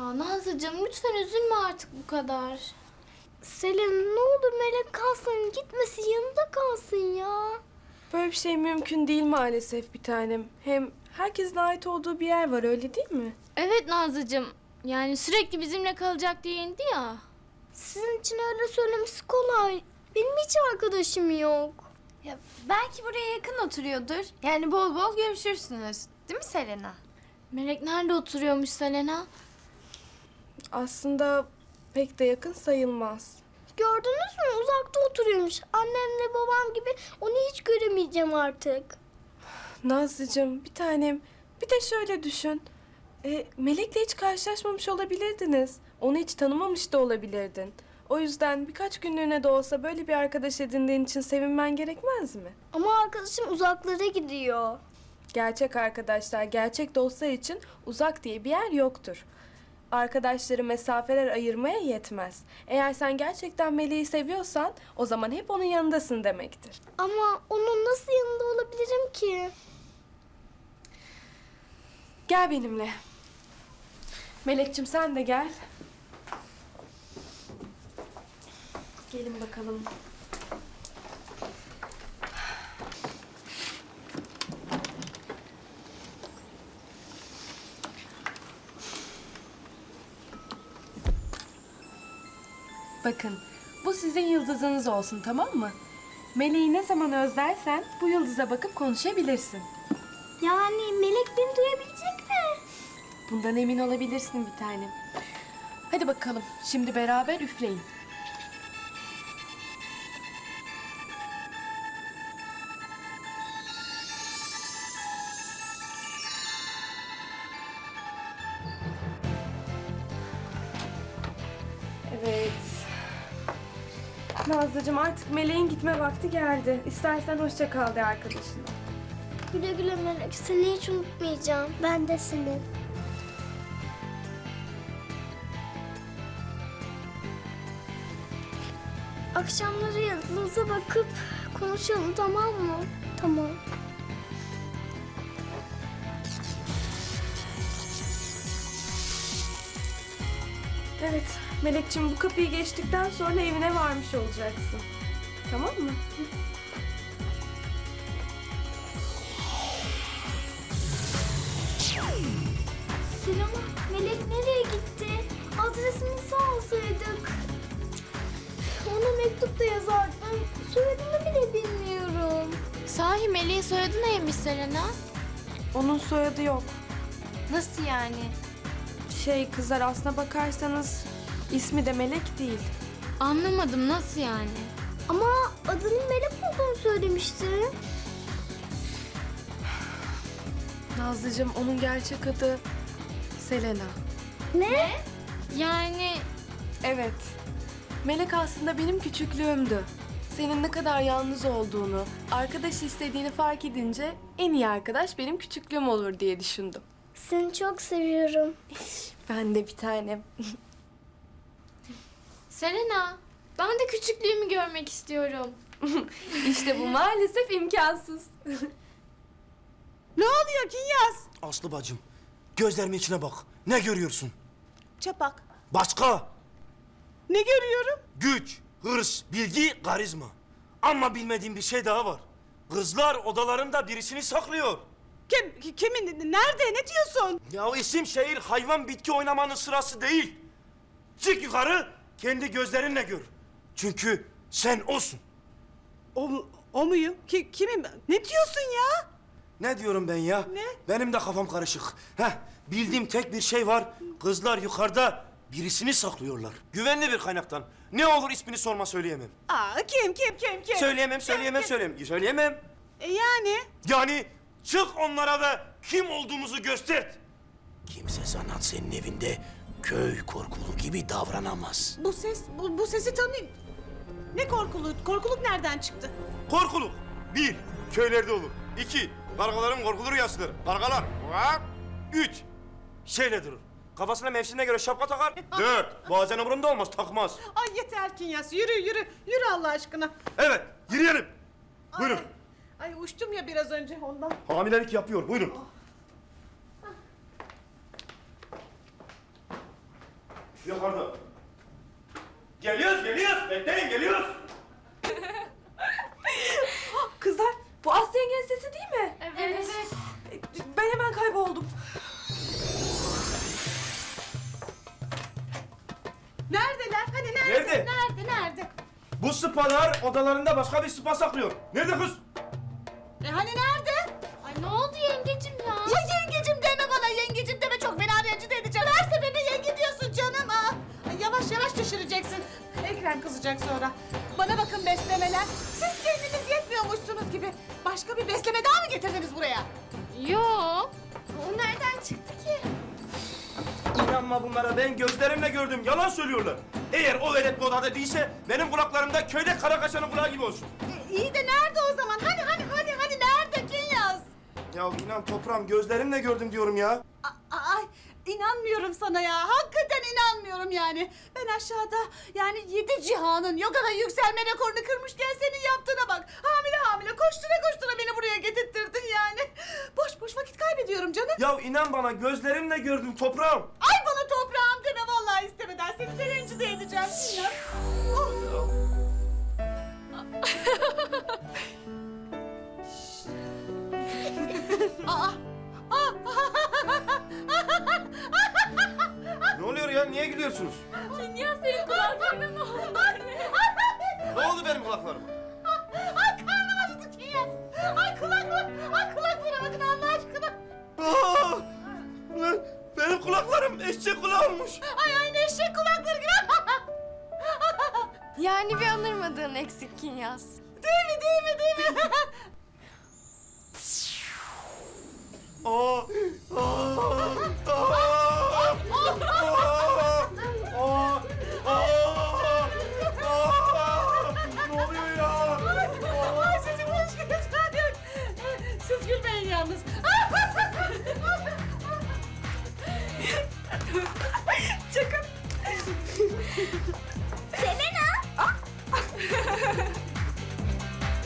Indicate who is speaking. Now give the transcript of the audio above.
Speaker 1: Ya Nazlıcığım lütfen üzülme artık bu kadar.
Speaker 2: Selin ne olur Melek kalsın, gitmesin, yanında kalsın ya.
Speaker 3: Böyle bir şey mümkün değil maalesef bir tanem. Hem herkesin ait olduğu bir yer var, öyle değil mi?
Speaker 1: Evet Nazlıcığım. Yani sürekli bizimle kalacak diye indi ya.
Speaker 2: Sizin için öyle söylemesi kolay. Benim hiç arkadaşım yok.
Speaker 4: Ya belki buraya yakın oturuyordur. Yani bol bol görüşürsünüz. Değil mi Selena?
Speaker 1: Melek nerede oturuyormuş Selena?
Speaker 3: Aslında pek de yakın sayılmaz.
Speaker 2: Gördünüz mü? Uzakta oturuyormuş. Annemle babam gibi onu hiç göremeyeceğim artık.
Speaker 3: Nazlıcığım bir tanem, bir de şöyle düşün. Melek'le hiç karşılaşmamış olabilirdiniz. Onu hiç tanımamış da olabilirdin. O yüzden birkaç günlüğüne de olsa böyle bir arkadaş edindiğin için sevinmen gerekmez mi?
Speaker 2: Ama arkadaşım uzaklara gidiyor.
Speaker 3: Gerçek arkadaşlar, gerçek dostlar için uzak diye bir yer yoktur. Arkadaşları mesafeler ayırmaya yetmez. Eğer sen gerçekten Melek'i seviyorsan o zaman hep onun yanındasın demektir.
Speaker 2: Ama onun nasıl yanında olabilirim ki?
Speaker 3: Gel benimle. Melek'cim sen de gel. Gelin bakalım. Bakın, bu sizin yıldızınız olsun, tamam mı? Meleği ne zaman özlersen bu yıldıza bakıp konuşabilirsin.
Speaker 2: Yani Melek beni duyabilecek mi?
Speaker 3: Bundan emin olabilirsin bir tanem. Hadi bakalım, şimdi beraber üfleyin. Evet. Nazlıcığım artık Meleğin gitme vakti geldi. İstersen hoşça kal de arkadaşına.
Speaker 2: Güle güle Melek. Seni hiç unutmayacağım. Ben de seni. Akşamları yıldız'a bakıp konuşalım, tamam mı? Tamam.
Speaker 3: Evet, Melekciğim bu kapıyı geçtikten sonra evine varmış olacaksın. Tamam mı?
Speaker 2: Selena, Melek nereye gitti? Adresini alsaydık. Ona mektup da yazardım. Soyadını bile bilmiyorum.
Speaker 1: Sahi Melek'in soyadı neymiş Selena?
Speaker 3: Onun soyadı yok.
Speaker 4: Nasıl yani?
Speaker 3: Kızlar aslına bakarsanız ismi de Melek değil.
Speaker 1: Anlamadım, nasıl yani?
Speaker 2: Ama adının Melek olduğunu söylemişti.
Speaker 3: Nazlıcığım onun gerçek adı Selena.
Speaker 2: Ne?
Speaker 1: Yani
Speaker 3: Evet. Melek aslında benim küçüklüğümdü. Senin ne kadar yalnız olduğunu, arkadaş istediğini fark edince en iyi arkadaş benim küçüklüğüm olur diye düşündüm.
Speaker 2: Seni çok seviyorum.
Speaker 3: Ben de bir tanem.
Speaker 1: Selena, ben de küçüklüğümü görmek istiyorum.
Speaker 3: İşte bu maalesef imkansız.
Speaker 5: Ne oluyor Kinyas?
Speaker 6: Aslı bacım, gözlerimin içine bak. Ne görüyorsun?
Speaker 5: Çapak.
Speaker 6: Başka?
Speaker 5: Ne görüyorum?
Speaker 6: Güç, hırs, bilgi, karizma. Ama bilmediğim bir şey daha var. Kızlar odalarında birisini saklıyor.
Speaker 5: Kimin? Nerede? Ne diyorsun?
Speaker 6: Ya isim, şehir, hayvan, bitki oynamanın sırası değil. Çık yukarı, kendi gözlerinle gör. Çünkü sen olsun.
Speaker 5: O muyum? Kimim? Ne diyorsun ya?
Speaker 6: Ne diyorum ben ya?
Speaker 5: Ne?
Speaker 6: Benim de kafam karışık. Bildiğim tek bir şey var. Kızlar yukarıda birisini saklıyorlar. Güvenli bir kaynaktan. Ne olur ismini sorma, söyleyemem.
Speaker 5: Aa, kim?
Speaker 6: Söyleyemem. Söyleyemem.
Speaker 5: Yani?
Speaker 6: Yani çık onlara da kim olduğumuzu göster. Kimse sanat senin evinde köy korkulu gibi davranamaz.
Speaker 5: Bu sesi tanıyayım. Ne korkuluk? Korkuluk nereden çıktı?
Speaker 6: Korkuluk. 1. Köylerde olur. 2. Kargaların korkulu rüyasıdır. Kargalar. 3. Şeyle durur. Kafasına mevsimine göre şapka takar. 4. Bazen umurunda olmaz, takmaz.
Speaker 5: Ay yeter Kinyas. Yürü Allah aşkına.
Speaker 6: Evet, yürüyelim. Buyurun.
Speaker 5: Ay uçtum ya biraz önce ondan.
Speaker 6: Hamilelik yapıyor, buyurun. Yukarıda. Geliyoruz, geliyoruz. Bekleyin, geliyoruz.
Speaker 3: Kızlar, bu Aslı yengenin sesi değil mi?
Speaker 1: Evet.
Speaker 3: Ben hemen kayboldum.
Speaker 5: Neredeler? Hani nerede?
Speaker 6: Nerede?
Speaker 5: Nerede?
Speaker 6: Bu spalar odalarında başka bir spa saklıyor. Nerede kız?
Speaker 5: Hani nerede?
Speaker 1: Ay ne oldu yengecim ya?
Speaker 5: Ya yengecim deme bana, yengecim deme, çok fena rencide edeceğim. Her seferinde yenge diyorsun canım. Aa, ay yavaş yavaş düşüreceksin. Ekrem kızacak sonra. Bana bakın beslemeler. Siz kendiniz yetmiyormuşsunuz gibi. Başka bir besleme daha mı getirdiniz buraya?
Speaker 1: Yo.
Speaker 4: O nereden çıktı ki?
Speaker 6: İnanma bunlara, ben gözlerimle gördüm. Yalan söylüyorlar. Eğer o velet bu odada değilse benim kulaklarımda köyde kara kaşanın kulağı gibi olsun.
Speaker 5: İyi de nerede o zaman? Hani nerede Kinyas?
Speaker 6: Ya inan toprağım, gözlerimle gördüm diyorum ya.
Speaker 5: Ay inanmıyorum sana ya. Hakikaten inanmıyorum yani. Ben aşağıda yani 7 cihanın yok kadar yükselme rekorunu kırmışken senin yaptığına bak. Hamile koştura beni buraya getirttirdin yani. Boş boş vakit kaybediyorum canım.
Speaker 6: Ya inan bana, gözlerimle gördüm toprağım.
Speaker 5: Ay bana toprağım deme vallahi istemeden. Seni de rencide edeceğim Kinyas. Oh. Aa.
Speaker 6: Ne oluyor ya? Niye gülüyorsunuz?
Speaker 1: Dünya senin kulaklarına ne oldu?
Speaker 6: Ne oldu benim kulaklarıma?
Speaker 5: Ay karnım acıdı Kinyas. Ay kulaklara bakın Allah aşkına.
Speaker 6: Aa! Lan benim kulaklarım eşek kulağı olmuş.
Speaker 5: Ay aynı eşek kulakları gibi.
Speaker 4: Yani bir anırmadığın eksik Kinyas.
Speaker 5: Değil mi?
Speaker 6: Aa! Ne oluyor ya?
Speaker 5: Ay sizin hoş geldiniz. Siz gülmeyin yalnız. Çakın.